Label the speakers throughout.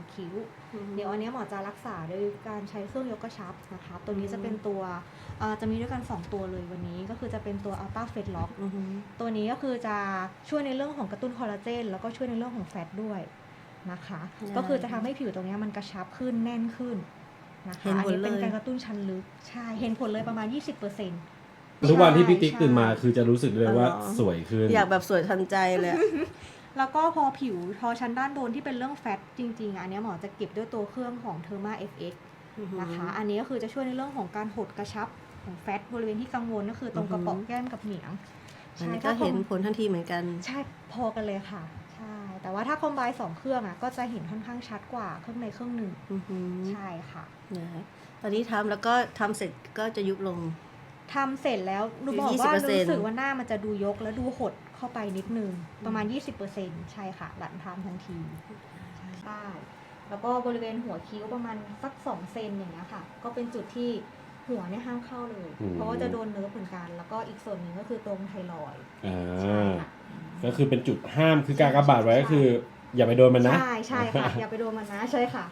Speaker 1: คิ้วเดี๋ยวอันนี้หมอจะรักษาโดยการใช้เครื่องยกกระชับนะคะตัวนี้จะเป็นตัวจะมีด้วยกัน2ตัวเลยวันนี้ก็คือจะเป็นตัว Ultra Fat Lock ตัวนี้ก็คือจะช่วยในเรื่องของกระตุ้นคอลลาเจนแล้วก็ช่วยในเรื่องของแฟตด้วยนะคะก็คือจะทำให้ผิวตรงนี้มันกระชับขึ้นแน่นขึ้นนะคะอันนี้เป็นการกระตุ้นชั้นลึกใช่เห็นผลเลยประมาณ 20%
Speaker 2: ทุกวันที่พี่ติ๊กตื่นมาคือจะรู้สึกเลยว่าสวยขึ้น
Speaker 3: อยากแบบสวยทันใจเลย
Speaker 1: แล้วก็พอผิวพอชั้นด้านบนที่เป็นเรื่องแฟตจริงๆอันนี้หมอจะเก็บด้วยตัวเครื่องของ Therma FX นะคะอันนี้ก็คือจะช่วยในเรื่องของการหดกระชับของแฟตบริเวณที่กังวลก็คือตรงกระเป๋าแก้มกับเหนียง
Speaker 3: อันนี้ก็เห็นผลทันทีเหมือนกัน
Speaker 1: ใช่พอกันเลยค่ะใช่แต่ว่าถ้าคอมไบน์2เครื่องก็จะเห็นค่อนข้างชัดกว่าเครื่องในเครื่องหนึ่งใช่ค่ะ
Speaker 3: ตอนนี้ทำแล้วก็ทำเสร็จก็จะยุบลง
Speaker 1: ทำเสร็จแล้วหนูบอกว่ารู้สึกว่าหน้ามันจะดูยกแล้วดูหดเข้าไปนิดนึงประมาณ 20% ใช่ค่ะหลังทำทันทีใช่แล้วก็บริเวณหัวคิ้วประมาณสัก2 เซนอย่างเงี้ยค่ะก็เป็นจุดที่หัวเนี่ยห้ามเข้าเลยเพราะว่าจะโดนเนิร์ฟเหมือนกันแล้วก็อีกส่วนหนึ่งก็คือตรงไทรอยด์
Speaker 2: ก็คือเป็นจุดห้ามคือการกระบาดไว้ก็คืออย่าไปโดนมันนะ
Speaker 1: ใช่ค่ะอย่าไปโดนมันนะใช่ค่ะ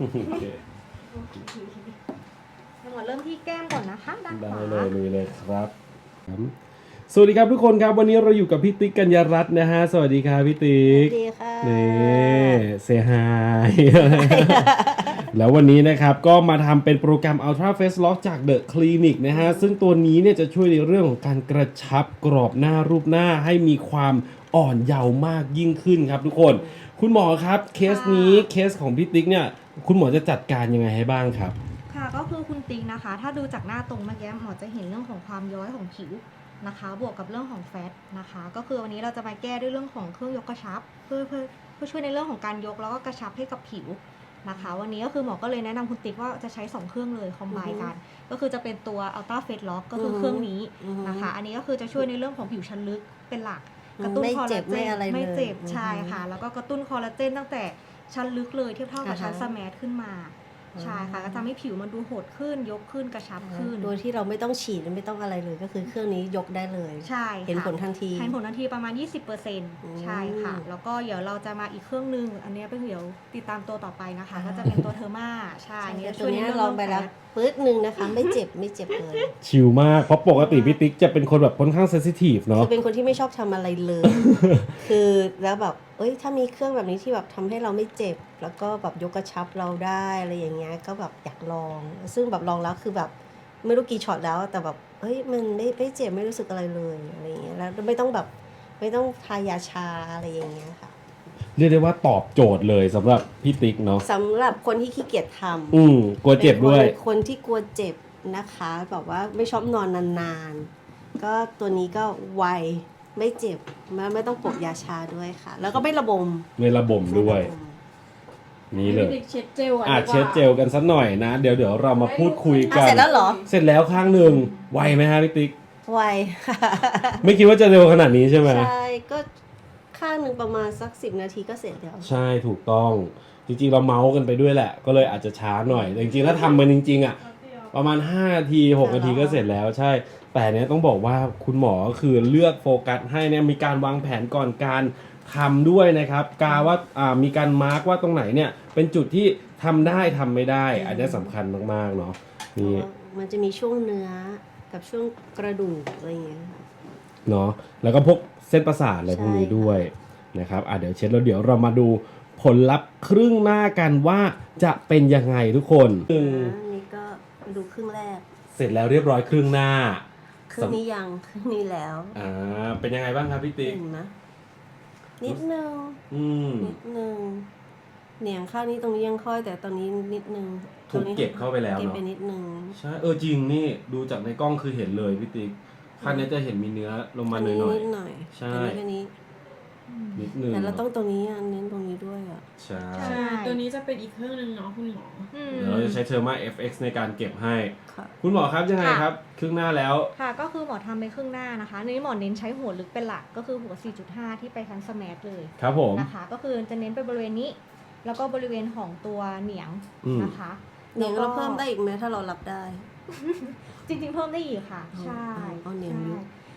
Speaker 1: หมอเริ่มที่แก้มก่อนนะคะด้านขวา
Speaker 2: ได้เลยครับสวัสดีครับทุกคนครับวันนี้เราอยู่กับพี่ติ๊กกัญญารัตน์นะฮะสวัสดีครับพี่ติ๊ก
Speaker 3: สวัสดีค่ะ
Speaker 2: นี่เซฮายแล้ววันนี้นะครับก็มาทำเป็นโปรแกรม Ultra Face Lock จาก The Clinic นะฮะซึ่งตัวนี้เนี่ยจะช่วยในเรื่องของการกระชับกรอบหน้ารูปหน้าให้มีความอ่อนเยาว์มากยิ่งขึ้นครับทุกคนคุณหมอครับเคสนี้เคสของพี่ติ๊กเนี่ยคุณหมอจะจัดการยังไงให้บ้างครับ
Speaker 1: ค่ะก็คือคุณติ๊กนะคะถ้าดูจากหน้าตรงเมื่อกี้หมอจะเห็นเรื่องของความย้อยของผิวนะคะบวกกับเรื่องของแฟตนะคะก็คือวันนี้เราจะมาแก้ด้วยเรื่องของเครื่องยกกระชับเพื่อช่วยในเรื่องของการยกแล้วก็กระชับให้กับผิวนะคะวันนี้ก็คือหมอก็เลยแนะนำคุณติ๊กว่าจะใช้2เครื่องเลยคอมไบน์กันก็คือจะเป็นตัว Ultra Fat Lock ก็คือเครื่องนี้นะคะอันนี้ก็คือจะช่วยในเรื่องของผิวชั้นลึกเป็นหลักกระตุ้นคอลลาเจนไม่เจ็บใช่ค่ะแล้วก็กระตุ้นคอลลาเจนตั้งแต่ชั้นลึกเลยเทียบเท่ากับชั้นสแมทขึ้นมาใช่ค่ะก็ทำให้ผิวมันดูโหดขึ้นยกขึ้นกระชับขึ้น
Speaker 3: โดยที่เราไม่ต้องฉีดไม่ต้องอะไรเลยก็คือเครื่องนี้ยกได้เลย
Speaker 1: ใช่
Speaker 3: เห็นผลทันที
Speaker 1: ประมาณ 20% ใช่ค่ะแล้วก็เดี๋ยวเราจะมาอีกเครื่องนึงอันนี้เป็นเดี๋ยวติดตามตัวต่อไปนะคะก็จะเป็นตัวเทอร์มาใช่
Speaker 3: เนี่ยตัวนี้ลองไปแล้วปึ๊ดนึงนะคะไม่เจ็บเลย
Speaker 2: ชิลมากเพราะปกติพี่ติ๊กจะเป็นคนแบบค่อนข้างเซนซิทีฟเนาะ
Speaker 3: เป็นคนที่ไม่ชอบทำอะไรเลย คือแล้วแบบถ้ามีเครื่องแบบนี้ที่แบบทำให้เราไม่เจ็บแล้วก็แบบยกกระชับเราได้อะไรอย่างเงี้ยก็แบบอยากลองซึ่งแบบลองแล้วคือแบบไม่รู้กี่ช็อตแล้วแต่แบบมันไม่เจ็บไม่รู้สึกอะไรเลยอะไรอย่างเงี้ยแล้วไม่ต้องทายาชาอะไรอย่างเงี้ยค่ะ
Speaker 2: เรียกได้ว่าตอบโจทย์เลยสำหรับพี่ติ๊กเนาะ
Speaker 3: สำหรับคนที่ขี้เกียจท
Speaker 2: ำกลัวเจ็บด้วย
Speaker 3: คนที่กลัวเจ็บนะคะแบบว่าไม่ชอบนอนนานๆก็ตัวนี้ก็ไวไม่เจ็บไม่ต้องปกยาชาด้วยค่ะแล้วก็ไม่ระบม
Speaker 2: ด้วยนี่เลย
Speaker 4: เช็ดเจล
Speaker 2: เช็ดเจลกันสักหน่อยนะเดี๋ยวเรามาพูดคุยกัน
Speaker 3: เสร็จแล้วเหรอ
Speaker 2: เสร็จแล้วข้างหนึ่งไวไหมฮะพี่ติ๊ก
Speaker 3: ไว
Speaker 2: ไม่คิดว่าจะเร็วขนาดนี้ใช่ไหม
Speaker 3: ใช่ก็ข้างหนึ่งประมาณสัก10 นาทีก็เสร็จแล้ว
Speaker 2: ใช่ถูกต้องจริงๆเราเมาส์กันไปด้วยแหละก็เลยอาจจะช้าหน่อยแต่จริงๆถ้าทำมันจริงๆประมาณ5 นาที6 นาทีก็เสร็จแล้วใช่แต่เนี้ยต้องบอกว่าคุณหมอคือเลือกโฟกัสให้เนี่ยมีการวางแผนก่อนการทำด้วยนะครับกาว่ามีการมาร์กว่าตรงไหนเนี่ยเป็นจุดที่ทำได้ทำไม่ได้อันนี้สำคัญมากๆเนาะนี่
Speaker 3: มันจะมีช่วงเนื้อกับช่วงกระดูกอะไรอย่างเงี้ย
Speaker 2: เนาะแล้วก็พวกเส้นประสาทอะไรพวกนี้ด้วยนะครับเดี๋ยวเช็ดแล้วเดี๋ยวเรามาดูผลลัพธ์ครึ่งหน้ากันว่าจะเป็นยังไงทุกคน
Speaker 3: นี่ก็ดูครึ่งแรก
Speaker 2: เสร็จแล้วเรียบร้อยครึ่งหน้า
Speaker 3: ครึ่งนี้ยังครึ่งนี้แล้ว
Speaker 2: เป็นยังไงบ้างครับพี่ติ๊ก
Speaker 3: นะนิดนึงเหนียงข้างนี้ตรงนี้ยังค่อยแต่ตอนนี้นิดนึง
Speaker 2: ถูกเก็บเข้าไปแล้วเนาะ
Speaker 3: เก็บไปนิดนึง
Speaker 2: ใช่จริงนี่ดูจากในกล้องคือเห็นเลยพี่ติ๊กข้างนี้จะเห็นมีเนื้อลงมาหน่อย
Speaker 3: ใช่แค่นี้
Speaker 2: นิดนึง
Speaker 3: แต่เราต้องตรงนี้เน้นตรงนี้ด้วย
Speaker 2: ใช่
Speaker 4: ตัวนี้จะเป็นอีกเครื่องนึงเนาะคุณหมอ
Speaker 2: เราจะใช้Therma FX ในการเก็บให้คุณหมอครับยังไงครับครึ่งหน้าแล้ว
Speaker 1: ค่ะก็คือหมอทำไปครึ่งหน้านะคะนี้หมอเน้นใช้หัวลึกเป็นหลักก็คือหัว 4.5 ที่ไปทั้งสแมทเลย
Speaker 2: ครับผม
Speaker 1: นะคะก็คือจะเน้นไปบริเวณนี้แล้วก็บริเวณของตัวเหนียงนะคะ
Speaker 3: เหนียงเราเพิ่มได้อีกไหมถ้าเรารับได้
Speaker 1: จริงๆเพิ่มได้อีกค่ะใช่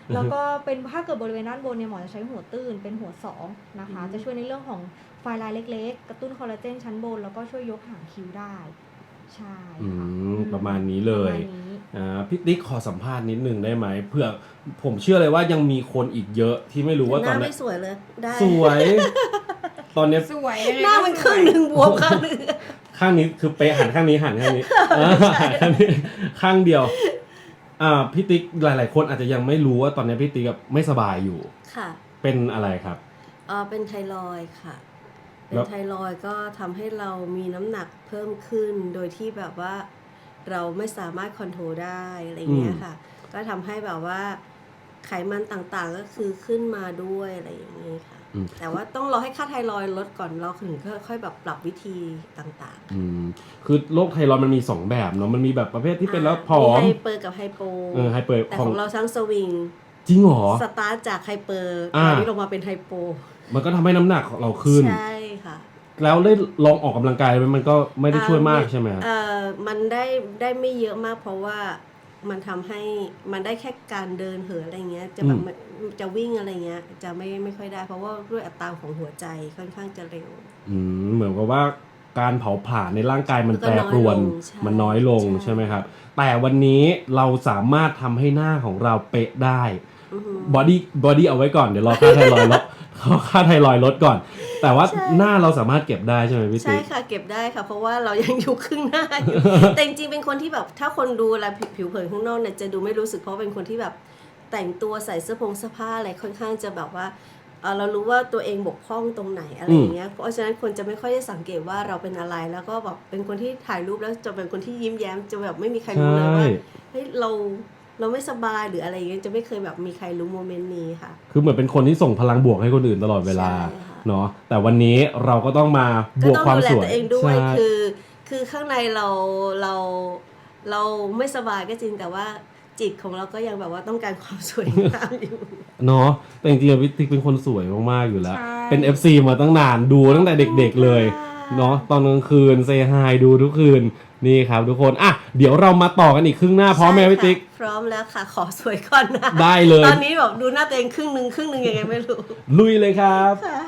Speaker 1: แล้วก็เป็นถ้าเกิดบริเวณด้านบนเนี่ยหมอจะใช้หัวตื้นเป็นหัว2นะคะ จะช่วยในเรื่องของไฟลายเล็กๆ กระตุ้นคอลลาเจนชั้นบน แล้วก็ช่วยยกหางคิ้วได้ ใช่ค่ะ
Speaker 2: ประมาณนี้เลย
Speaker 1: ประมาณนี้
Speaker 2: พี่ติ๊กขอสัมภาษณ์นิดนึงได้ไหมเพื่อผมเชื่อเลยว่ายังมีคนอีกเยอะที่ไม่รู้ว่า
Speaker 3: ห
Speaker 2: ตอ
Speaker 3: น้าน
Speaker 2: นี้
Speaker 3: ไม่สวยเลยได้
Speaker 2: สวย ตอนเนี้ย
Speaker 4: สวยยังไง
Speaker 3: หน้ามันครึ่งหนึ่งบวมข้างหนึ่ง
Speaker 2: ข้างนี้คือเป๊ะหันข้างนี้หันข้างนี้หันข้างนี้ข้างเดียวพี่ติ๊กหลายๆคนอาจจะยังไม่รู้ว่าตอนนี้พี่ติ๊กไม่สบายอยู่
Speaker 3: ค่ะ
Speaker 2: เป็นอะไรครับ
Speaker 3: เป็นไทรอยด์ค่ะ เป็
Speaker 2: แล้
Speaker 3: น
Speaker 2: ว
Speaker 3: ไทรอยด์ก็ทำให้เรามีน้ำหนักเพิ่มขึ้น โดยที่แบบว่าเราไม่สามารถคอนโทรลได้อะไรเงี้ยค่ะ ก็ทำให้แบบว่าไขมันต่างๆก็คือขึ้นมาด้วยอะไรอย่างนี้ค่ะ แต่ว่าต้องรอให้ค่าไทรอยด์ลดก่อนเราถึงค่อยแบบปรับวิธีต่างๆ
Speaker 2: คือโรคไทรอยด์มันมี2แบบเนาะมันมีแบบประเภทที่เป็นแล้วผอม
Speaker 3: ไฮเปอร์กับไฮโป
Speaker 2: ไฮเปอร์
Speaker 3: แต่ของเราทั้งสวิง
Speaker 2: จริงเหรอ
Speaker 3: สตาร์ทจากไฮเปอร์
Speaker 2: อ่า
Speaker 3: ตอนนี้ลงมาเป็นไฮโป
Speaker 2: มันก็ทำให้น้ำหนักเราขึ้น
Speaker 3: ใช่ค่ะ
Speaker 2: แล้วได้ลองออกกำลังกายไหมมันก็ไม่ได้ช่วยมากใช่ไหมครับ
Speaker 3: มันได้ไม่เยอะมากเพราะว่ามันทำให้มันได้แค่การเดินเหินอะไรเงี้ยจะแบบจะวิ่งอะไรเงี้ยจะไม่ค่อยได้เพราะว่าด้วยอัตราของหัวใจค่อนข้างจะเร็ว
Speaker 2: เหมือนกับว่าการเผาผลาญในร่างกายมันแปรปรวน มันน้อยลงใช่ไหมครับ แต่วันนี้เราสามารถทำให้หน้าของเราเป๊ะได้บอดี้เอาไว้ก่อนเดี๋ยวรอค่าไทรอยด์ลดค่าไทรอยด์ลดก่อน แต่ว่าหน้าเราสามารถเก็บได้ใช่ไหมพี่
Speaker 3: ใช่
Speaker 2: ติ๊ก
Speaker 3: ค่ะเก็บได้ค่ะ เพราะว่าเรายังอยู่ครึ่งหน้าอยู่ แต่จริงๆเป็นคนที่แบบถ้าคนดูแลผิวเผินข้างนอกเนี่ยจะดูไม่รู้สึกเพราะเป็นคนที่แบบแต่งตัวใส่เสื้อผ้าอะไรค่อนข้างจะแบบว่าเรารู้ว่าตัวเองบกพร่องตรงไหนอะไรอย่างเงี้ยเพราะฉะนั้นคนจะไม่ค่อยได้สังเกตว่าเราเป็นอะไรแล้วก็แบบเป็นคนที่ถ่ายรูปแล้วจะเป็นคนที่ยิ้มแย้มจะแบบไม่มีใครรู้เลยว่าเฮ้ยเราไม่สบายหรืออะไรอย่างเงี้ยจะไม่เคยแบบมีใครรู้โมเมนต์นี้ค่ะ
Speaker 2: คือเหมือนเป็นคนที่ส่งพลังบวกให้คนอื่นตลอดเวลา
Speaker 3: ใช่ค่ะ
Speaker 2: เนาะแต่วันนี้เราก็ต้องมาบ
Speaker 3: ก็
Speaker 2: วก
Speaker 3: ต้อง
Speaker 2: ความ
Speaker 3: ดูแล
Speaker 2: สวย
Speaker 3: ตัวเองด้วย
Speaker 2: ใช่
Speaker 3: คือข้างในเราไม่สบายก็จริงแต่ว่าจิตของเราก็ยังแบบว่าต้องการความสวยงามอยู่
Speaker 2: เนาะแต่จริงๆพี่ติ๊กเป็นคนสวยมากๆอยู่แล้ว
Speaker 4: ใช่
Speaker 2: เป็น FC มาตั้งนานดูตั้งแต่เด็กๆเลย เนาะตอนกลางคืนเซฮายดูทุกคืนนี่ครับทุกคนเดี๋ยวเรามาต่อกันอีกครึ่งหน้าพร้อมไหมพี่ติ๊ก
Speaker 3: พร้อมแล้วค่ะขอสวยก่อนนะ
Speaker 2: ได้เลย
Speaker 3: ตอนนี้แบบดูหน้าตัวเองครึ่งหนึ่งยังไงไม่รู้
Speaker 2: ลุยเลยครับ
Speaker 3: ค่ะ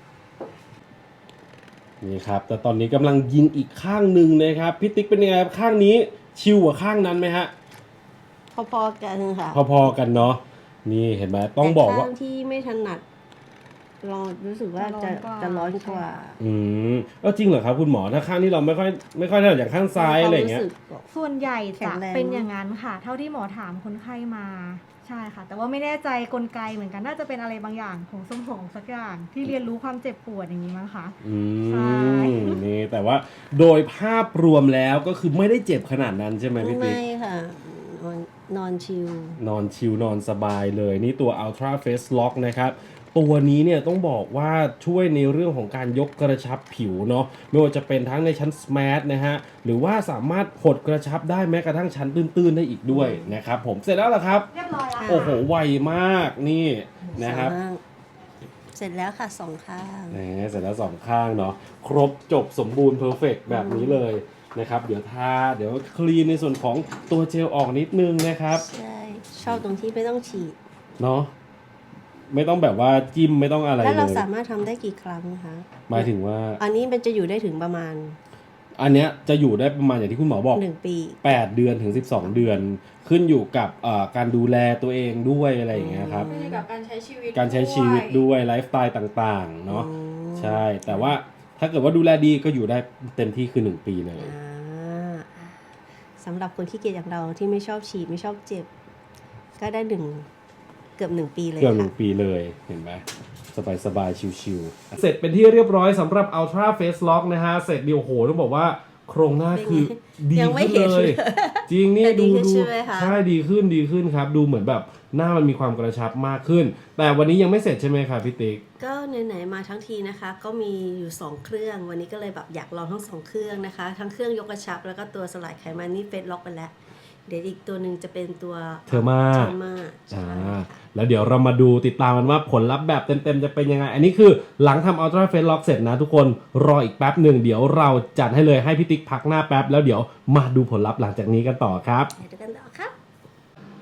Speaker 2: นี่ครับแต่ตอนนี้กำลังยิงอีกข้างหนึ่งนะครับพี่ติ๊กเป็นยังไงครับข้างนี้ชิวกว่าข้างนั้นไหมฮะ
Speaker 3: พอๆกันค่ะ
Speaker 2: พอๆกันเนาะนี่เห็นไหมต้องบอกว่า
Speaker 3: แต่ข้างที่ไม่ถนัดเรารู้สึกว่าจะร้อนกว่า
Speaker 2: ก็จริงเหรอครับคุณหมอถ้าข้างที่เราไม่ค่อยถนัดอย่างข้างซ้ายอะไรอย่างเงี้ย
Speaker 3: ควมสึก
Speaker 1: ส่วนใหญ่
Speaker 3: แข็
Speaker 1: จะ
Speaker 3: งแรง
Speaker 1: เป็นอย่างนั้นค่ะ เท่าที่หมอถามคนไข้มาใช่ค่ะ แต่ว่าไม่แน่ใจกลไกเหมือนกันน่าจะเป็นอะไรบางอย่างของสมองสักอย่างที่เรียนรู้ความเจ็บปวดอย่างนี้มั้งคะ ใช่
Speaker 2: นี่แต่ว่าโดยภาพรวมแล้วก็คือไม่ได้เจ็บขนาดนั้นใช่ไหมพี่ติ๊ก
Speaker 3: ไม่ค่ะนอนชิล
Speaker 2: นอนชิลนอนสบายเลยนี่ตัว Ultra Face Lock นะครับตัวนี้เนี่ยต้องบอกว่าช่วยในเรื่องของการยกกระชับผิวเนาะไม่ว่าจะเป็นทั้งในชั้น Smart นะฮะหรือว่าสามารถหดกระชับได้แม้กระทั่งชั้นตื้นๆได้อีกด้วยนะครับผมเสร็จแล้วเหรอครับ
Speaker 1: เรียบร้อยแล้ว
Speaker 2: โอ้โหไวมากนี่นะครับ
Speaker 3: เสร็จแล้วค่ะ2 ข้าง
Speaker 2: เสร็จแล้ว2ข้างเนาะครบจบสมบูรณ์เพอร์เฟกแบบนี้เลยนะครับเดี๋ยวคลีนในส่วนของตัวเจลออกนิดนึงนะครับ
Speaker 3: ใช่ชอบตรงที่ไม่ต้องฉีด
Speaker 2: เนาะไม่ต้องแบบว่าจิ้มไม่ต้องอะไร
Speaker 3: แล้ว
Speaker 2: เล
Speaker 3: เรา
Speaker 2: ย
Speaker 3: สามารถทำได้กี่ครั้งคะ
Speaker 2: หมายถึงว่า
Speaker 3: อันนี้มันจะอยู่ได้ถึงประมาณ
Speaker 2: อันเนี้ยจะอยู่ได้ประมาณอย่างที่คุณหมอบอก
Speaker 3: 1 ปี
Speaker 2: 8 เดือนถึง 12 เดือน ขึ้นอยู่กับการดูแลตัวเองด้วยอะไรอย่างเงี้ยครับ
Speaker 4: ขึ้นอยู่กับการใช้ชีวิต
Speaker 2: การใช้ชีวิตด้วยไลฟ์สไตล์ต่างๆเนาะใช่แต่ว่าถ้าเกิดว่าดูแลดีก็อยู่ได้เต็มที่คือ 1 ปีเลย
Speaker 3: สำหรับคนที่เกียจอย่างเราที่ไม่ชอบฉีดไม่ชอบเจ็บ ก็ได้เกือบ 1 ปีเลย
Speaker 2: เกือบ
Speaker 3: ค่ะ
Speaker 2: 1 ปีเลยเห็นไหมสบายๆชิวๆเสร็จเป็นที่เรียบร้อยสำหรับ Ultra Face Lock นะฮะเสร็จเดียวโหต้องบอกว่าโครงหน้าคือดี
Speaker 3: ยังไม่
Speaker 2: ขึ้น
Speaker 3: เห็น
Speaker 2: เลย จริงนี่
Speaker 3: แต่ดี
Speaker 2: ดู
Speaker 3: ขึ้นใช่ไหมคะ
Speaker 2: ใช่ดีขึ้นครับดูเหมือนแบบหน้ามันมีความกระชับมากขึ้น แต่วันนี้ยังไม่เสร็จใช่ไหมครับพี่ติ๊ก
Speaker 3: ก็ไหนๆมาทั้งทีนะคะ ก็มีอยู่2 เครื่องวันนี้ก็เลยแบบอยากลองทั้ง2 เครื่องนะคะ ทั้งเครื่องยกกระชับแล้วก็ตัวสลายไขมันนี่เฟซล็อกไปแล้ว เดี๋ยวอีกตัวหนึ่งจะเป็นตัว
Speaker 2: เทอร์มา
Speaker 3: ใช่ค่ะ
Speaker 2: แล้วเดี๋ยวเรามาดูติดตามกันว่าผลลัพธ์แบบเต็มๆจะเป็นยังไง อันนี้คือหลังทำ Ultra Face Lock เสร็จนะทุกคนรออีกแป๊บหนึ่งเดี๋ยวเราจัดให้เลยให้พี่ติ๊กพักหน้าแป๊บแล้วเดี๋ยวมาดูผลลัพธ์หลังจากนี้กันต่อครับ
Speaker 3: เดี๋ยวดูกันต่อครับ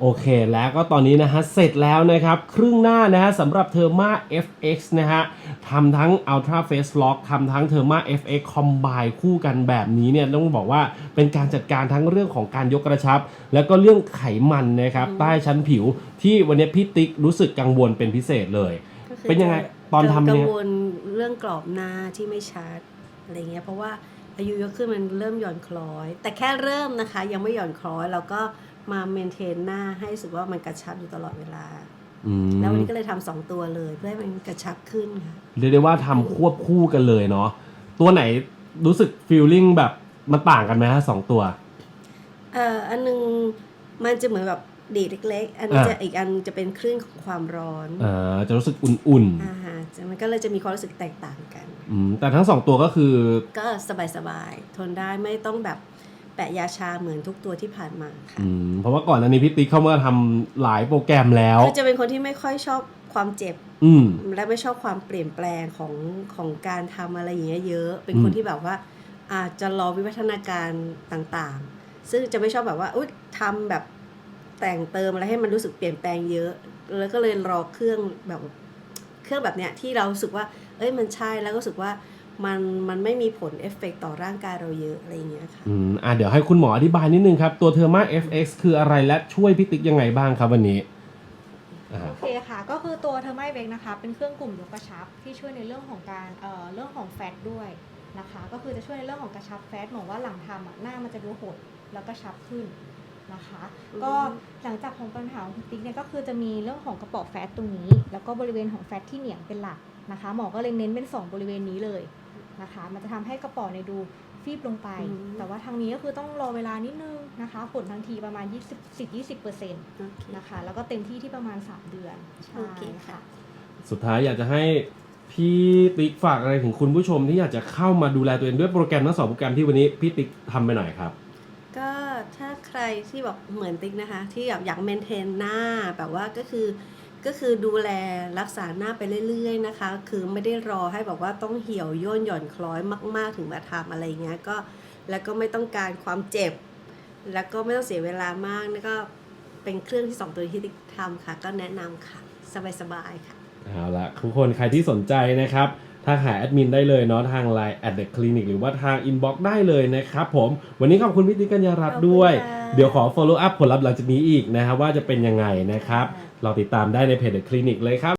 Speaker 2: โอเคแล้วก็ตอนนี้นะฮะเสร็จแล้วนะครับครึ่งหน้านะฮะสำหรับ Therma FX นะฮะทำทั้ง Ultra Face Lock ทำทั้ง Therma FX Combine คู่กันแบบนี้เนี่ยต้องบอกว่าเป็นการจัดการทั้งเรื่องของการยกกระชับ แล้วก็เรื่องไขมันนะครับใต้ชั้นผิวที่วันนี้พี่ติ๊กรู้สึกกังวลเป็นพิเศษเลย
Speaker 3: ก็คือ
Speaker 2: เป็นยังไงตอนทำ
Speaker 3: กั
Speaker 2: เนี่
Speaker 3: ง
Speaker 2: ย
Speaker 3: วลเรื่องกรอบหน้าที่ไม่ชัดอะไรเงี้ยเพราะว่าอายุเยอะขึ้นมันเริ่มหย่อนคล้อย แต่แค่เริ่มนะคะยังไม่หย่อนคล้อยเราก็มาเมนเทนหน้าให้รู้สึกว่ามันกระชับอยู่ตลอดเวลา แล้ววันนี้ก็เลยทำ2ตัวเลยเพื่อให้มันกระชับขึ้นค่ะ
Speaker 2: เรียกได้ว่าทำควบคู่กันเลยเนาะตัวไหนรู้สึกฟีลลิ่งแบบมันต่างกันไหมฮะสองตัว
Speaker 3: อันนึงมันจะเหมือนแบบดีดเล็กๆ อันนี้จะอีกอันจะเป็นคลื่นของความร้อน
Speaker 2: จะรู้สึกอุ่น
Speaker 3: ฮะมันก็เลยจะมีความรู้สึกแตกต่างกัน
Speaker 2: ๆแต่ทั้งสองตัวก็คือ
Speaker 3: ก็สบายๆทนได้ไม่ต้องแบบแปะยาชาเหมือนทุกตัวที่ผ่านมาค่ะ
Speaker 2: เพราะว่าก่อนอันนี้พี่ติ๊กเข้ามาทำหลายโปรแกรมแล้ว
Speaker 3: คือจะเป็นคนที่ไม่ค่อยชอบความเจ็บ
Speaker 2: อืม
Speaker 3: และไม่ชอบความเปลี่ยนแปลงของการทำอะไรอย่างเงี้ยเยอะ เป็นคนที่แบบว่าอาจจะรอวิวัฒนาการต่างๆ ซึ่งจะไม่ชอบแบบว่าอุ๊ยทำแบบแต่งเติมอะไรให้มันรู้สึกเปลี่ยนแปลงเยอะ แล้วก็เลยรอเครื่องแบบเนี้ยที่เรารู้สึกว่าเอ้ยมันใช่แล้วก็รู้สึกว่ามันไม่มีผลเอฟเฟกต์ต่อร่างกายเราเยอะอะไรอย่างเงี้ยค่ะ
Speaker 2: เดี๋ยวให้คุณหมออธิบายนิดนึงครับ ตัว Therma FX คืออะไรและช่วยพี่ติ๊กยังไงบ้างครับวันนี้
Speaker 1: โอเคค่ะ ก็คือตัวเทอร์ไมเวกนะคะเป็นเครื่องกลุ่มยกกระชับที่ช่วยในเรื่องของการเรื่องของแฟตด้วยนะคะ ก็คือจะช่วยในเรื่องของกระชับแฟตเหมือนว่าหลังทำหน้ามันจะดูหดแล้วก็ชับขึ้นนะคะ ก็หลังจากของปัญหาของคุณติ๊กเนี่ยก็คือจะมีเรื่องของกระเป๋อแฟตตรงนี้ แล้วก็บริเวณของแฟตที่เหนียงเป็นหลักนะคะ หมอก็เลยเน้นเป็น2บริเวณนี้เลยนะคะ มันจะทำให้กระเป๋อในดูฟีบลงไป แต่ว่าทางนี้ก็คือต้องรอเวลานิดนึงนะคะ ผลทันทีประมาณ 20% นะคะ แล้วก็เต็มที่ที่ประมาณ3 เดือนใช่
Speaker 3: โอเคค่ะ
Speaker 2: สุดท้ายอยากจะให้พี่ติ๊กฝากอะไรถึงคุณผู้ชมที่อยากจะเข้ามาดูแลตัวเองด้วยโปรแกรมทั้ง2โปรแกรมที่วันนี้พี่ติ๊กทำไปหน่อยครับ
Speaker 3: ก็ถ้าใครที่แบบเหมือนติ๊กนะคะ ที่อยากเมนเทนหน้าแบบว่าก็คือดูแลรักษาหน้าไปเรื่อยๆนะคะ คือไม่ได้รอให้แบบว่าต้องเหี่ยวย่นหย่อนคล้อยมากๆถึงมาทำอะไรเงี้ยก็แล้วก็ไม่ต้องการความเจ็บ แล้วก็ไม่ต้องเสียเวลามากนี่ก็เป็นเครื่องที่2ตัวที่ติ๊กทำค่ะ ก็แนะนำค่ะสบายๆค่ะ
Speaker 2: เอาละทุกคนใครที่สนใจนะครับถ้าหาแอดมินได้เลยเนาะทาง Line @theclinic หรือว่าทาง inbox ได้เลยนะครับผมวันนี้ขอบคุณพี่ติ๊กกัญญารัตน์ด้วย
Speaker 3: ขอบคุณค่ะ
Speaker 2: เดี๋ยวขอ follow up ผลลัพธ์หลังจากนี้อีกนะครับว่าจะเป็นยังไงนะครับ
Speaker 3: ค่ะ
Speaker 2: เราติดตามได้ในเพจ The Clinic เลยครับ